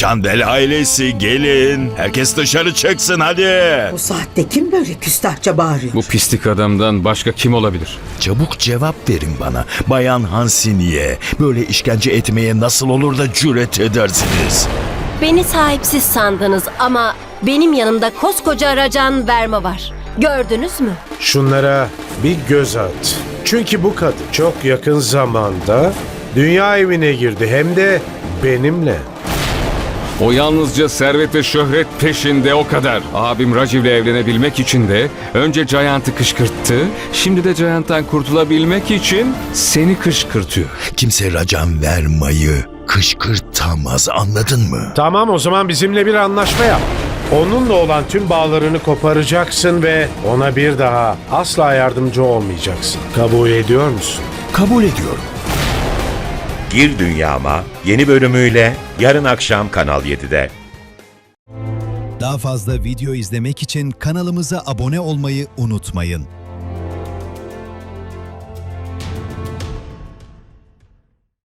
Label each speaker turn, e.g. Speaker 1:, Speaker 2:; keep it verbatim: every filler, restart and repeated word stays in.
Speaker 1: Çandel ailesi gelin. Herkes dışarı çıksın hadi.
Speaker 2: Bu saatte kim böyle küstahça bağırıyor?
Speaker 3: Bu pislik adamdan başka kim olabilir?
Speaker 1: Çabuk cevap verin bana. Bayan Hansini'ye böyle işkence etmeye nasıl olur da cüret edersiniz?
Speaker 4: Beni sahipsiz sandınız ama benim yanımda koskoca Racan Verma var. Gördünüz mü?
Speaker 5: Şunlara bir göz at. Çünkü bu kadın çok yakın zamanda dünya evine girdi, hem de benimle.
Speaker 3: O yalnızca servet ve şöhret peşinde, o kadar. Abim Rajiv'le evlenebilmek için de önce Giant'ı kışkırttı. Şimdi de Giant'tan kurtulabilmek için seni kışkırtıyor.
Speaker 1: Kimse Racan Verma'yı kışkırtamaz, anladın mı?
Speaker 5: Tamam, o zaman bizimle bir anlaşma yap. Onunla olan tüm bağlarını koparacaksın ve ona bir daha asla yardımcı olmayacaksın. Kabul ediyor musun?
Speaker 1: Kabul ediyorum.
Speaker 6: Gir Dünyama yeni bölümüyle yarın akşam Kanal yedide.
Speaker 7: Daha fazla video izlemek için kanalımıza abone olmayı unutmayın.